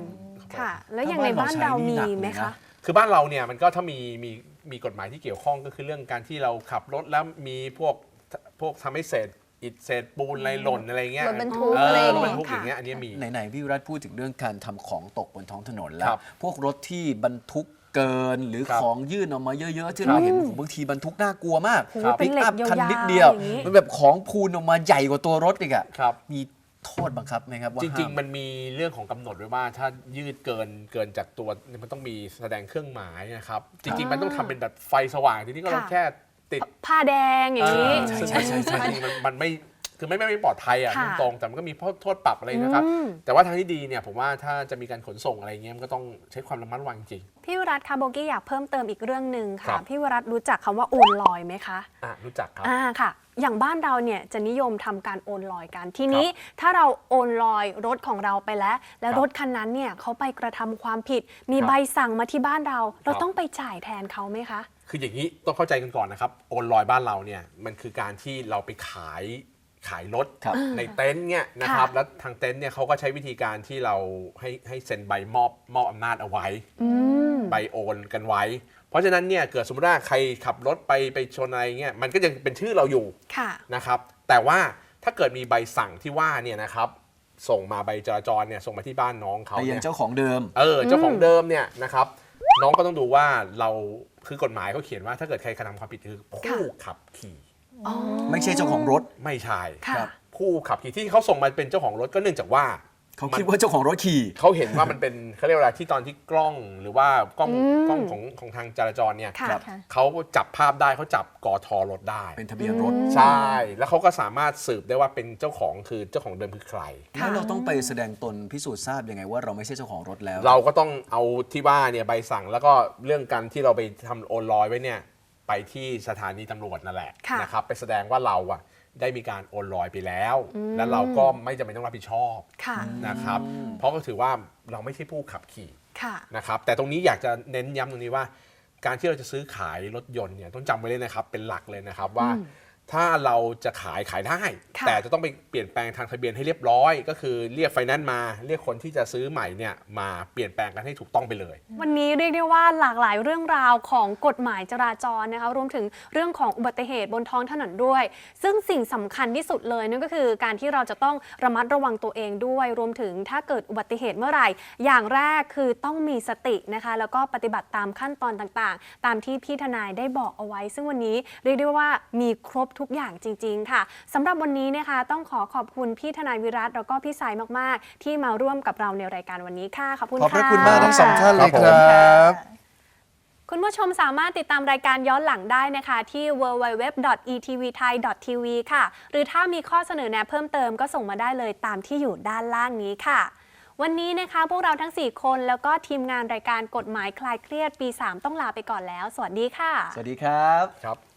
Speaker 3: ค่ะ แล้วอย่างในบ้านเรามีไหมคะ
Speaker 5: คือบ้านเราเนี่ยมันก็ถ้ามีกฎหมายที่เกี่ยวข้องก็คือเรื่องการที่เราขับรถแล้วมีพวกทำให้เศษอิฐเศษปูนอะไรหล่นอะไรเงี้ย
Speaker 6: รถบรรทุกอะไรอย่าง
Speaker 5: รถ
Speaker 6: เงี้
Speaker 5: บร
Speaker 6: ย
Speaker 5: รทุกอย่างเงี้ยอันนี้มี
Speaker 4: ไหนๆพี่วิรัตพูดถึงเรื่องการทำของตกบนท้องถนนแล้
Speaker 5: คว รับ
Speaker 4: พวกรถที่บรรทุกเกินหรือ
Speaker 5: ครับ
Speaker 4: ของยื่นออกมาเยอะๆที่เราเห็นบางทีบรรทุกน่ากลัวมาก
Speaker 3: ครับ
Speaker 4: ปิกอัพ
Speaker 3: เป็นเหล็ก
Speaker 4: คันนิด
Speaker 3: ยาวๆ
Speaker 4: เดียว
Speaker 3: อย่างนี้
Speaker 4: มันแบบของพูนออกมาใหญ่กว่าตัวรถอีกอะ
Speaker 5: ครับ
Speaker 4: มีโทษบังคับไหมครับว่า
Speaker 5: จริง
Speaker 4: ห้าม
Speaker 5: ๆ มันมีเรื่องของกำหนดไว้ว่าถ้ายืดเกินจากตัวมันต้องมีแสดงเครื่องหมายนะครับ จริง ๆ มันต้องทำเป็นแบบไฟสว่างทีนี้ก็เรา
Speaker 3: ค่ะ
Speaker 5: แค่ติด
Speaker 3: ผ้าแดงอย่างนี้
Speaker 5: ซึ่งจริงๆมันไม่คือไม่ปลอดภัยอ่ะ
Speaker 3: ค่ะ
Speaker 5: ตรงๆแต่มันก็มีโทษปรับอะไรนะครับ
Speaker 3: อืม
Speaker 5: แต่ว่าทางที่ดีเนี่ยผมว่าถ้าจะมีการขนส่งอะไรเงี้ยมันก็ต้องใช้ความระมัดระวังจริง
Speaker 3: พี่วิรัตคะโบกี้อยากเพิ่มเติมอีกเรื่องหนึ่ง
Speaker 5: ครั
Speaker 3: ค่ะ
Speaker 5: บ
Speaker 3: พี่วิรัตรู้จักคำว่าโอนลอยไหมคะ
Speaker 5: รู้จักครับ
Speaker 3: ค่ะ อย่างบ้านเราเนี่ยจะนิยมทำการโอนลอยกัน ทีนี้ถ้าเราโอนลอยรถของเราไปแล้ว แล้ว
Speaker 5: ครับ
Speaker 3: รถคันนั้นเนี่ยเขาไปกระทำความผิด มี
Speaker 5: ครับ
Speaker 3: ใบสั่งมาที่บ้านเรา เรา
Speaker 5: ครับ
Speaker 3: ต้องไปจ่ายแทนเขาไหมคะ
Speaker 5: คืออย่างนี้ต้องเข้าใจกันก่อนนะครับโอนลอยบ้านเราเนี่ยมันคือการที่เราไปขายรถ
Speaker 4: ครับ
Speaker 5: ในเต็นท์เนี่ยนะครับ
Speaker 3: ค่ะ
Speaker 5: แล้วทางเต็นท์เนี่ยเขาก็ใช้วิธีการที่เราให้เซ็นใบมอบอำนาจเอาไว้ ใบโอนกันไว้ เพราะฉะนั้นเนี่ยเกิดสมมติว่าใครขับรถไปชนอะไรเงี้ยมันก็ยังเป็นชื่อเราอยู่
Speaker 3: ค่ะ
Speaker 5: นะครับแต่ว่าถ้าเกิดมีใบสั่งที่ว่าเนี่ยนะครับส่งมาใบจราจรเนี่ยส่งมาที่บ้านน้องเขา
Speaker 4: ไปยัง
Speaker 5: เนี่ย
Speaker 4: เจ้าของเดิม
Speaker 5: เจ้าของเดิมเนี่ยนะครับน้องก็ต้องดูว่าเราคือกฎหมายเขาเขียนว่าถ้าเกิดใครกระทำความผิดคือผู้ขับขี่
Speaker 4: ไม่ใช่เจ้าของรถ
Speaker 5: ไม่ใช่
Speaker 3: ค่ะ
Speaker 5: ครับผู้ขับขี่ที่เขาส่งมาเป็นเจ้าของรถก็เนื่องจากว่า
Speaker 4: เขาคิดว่าเจ้าของรถขี่
Speaker 5: เขาเห็นว่ามันเป็นเขาเรียกว่าอะไรที่ตอนที่กล้องหรือว่ากล้องของทางจราจรเนี่ย
Speaker 3: ค่ะ
Speaker 4: ครับ
Speaker 5: เขาจับภาพได้เขาจับกทรถได้
Speaker 4: เป็นทะเบียนรถ
Speaker 5: ใช่ แล้วเขาก็สามารถสืบได้ว่าเป็นเจ้าของคือเจ้าของเดิมคือใคร
Speaker 4: แล้วเราต้องไปแสดงตนพิสูจน์ทราบยังไงว่าเราไม่ใช่เจ้าของรถแล้ว
Speaker 5: เราก็ต้องเอาที่ว่าเนี่ยใบสั่งแล้วก็เรื่องการที่เราไปทำโอนลอยไว้เนี่ยไปที่สถานีตำรวจนั่นแหละ
Speaker 3: ค่ะ
Speaker 5: นะครับไปแสดงว่าเราอะได้มีการโอนลอยไปแล้ว และเราก็ไม่จำเป็นต้องรับผิดชอบ
Speaker 3: ค่ะ
Speaker 5: นะครับเพราะก็ถือว่าเราไม่ใช่ผู้ขับขี่
Speaker 3: ค่ะ
Speaker 5: นะครับแต่ตรงนี้อยากจะเน้นย้ำตรงนี้ว่า การที่เราจะซื้อขายรถยนต์เนี่ยต้องจำไว้เลยนะครับเป็นหลักเลยนะครับว่า ถ้าเราจะขายได้
Speaker 3: ค่ะ
Speaker 5: แต่จะต้องไปเปลี่ยนแปลงทางทะเบียนให้เรียบร้อย ก็คือเรียกไฟแนนซ์มาเรียกคนที่จะซื้อใหม่เนี่ยมาเปลี่ยนแปลงกันให้ถูกต้องไปเลย
Speaker 3: วันนี้เรียกได้ว่าหลากหลายเรื่องราวของกฎหมายจราจรนะคะรวมถึงเรื่องของอุบัติเหตุบนท้องถนนด้วย ซึ่งสิ่งสำคัญที่สุดเลยนั่นก็คือการที่เราจะต้องระมัดระวังตัวเองด้วย รวมถึงถ้าเกิดอุบัติเหตุเมื่อไหร่ อย่างแรกคือต้องมีสตินะคะแล้วก็ปฏิบัติตามขั้นตอนต่างๆ ตามที่พี่ทนายได้บอกเอาไว้ ซึ่งวันนี้เรียกได้ว่ามีครบทุกอย่างจริงๆค่ะสำหรับวันนี้นะคะต้องขอบคุณพี่ทนายวิรัตแล้วก็พี่สายมากๆ ที่มาร่วมกับเราในรายการวันนี้ค่ะขอบคุณ
Speaker 4: ขอบพระ
Speaker 3: ค่ะ
Speaker 4: คุณมากทั้งสองท่านเลยครับ
Speaker 3: คุณผู้ชมสามารถติดตามรายการย้อนหลังได้นะคะที่ www.etvthai.tv ค่ะ หรือถ้ามีข้อเสนอแนะเพิ่มเติมก็ส่งมาได้เลยตามที่อยู่ด้านล่างนี้ค่ะ วันนี้นะคะพวกเราทั้ง 4 คนแล้วก็ทีมงานรายการกฎหมายคลายเครียดปี 3 ต้องลาไปก่อนแล้ว สวัสดีค่ะ
Speaker 4: สวัสดีครับ
Speaker 5: ครับ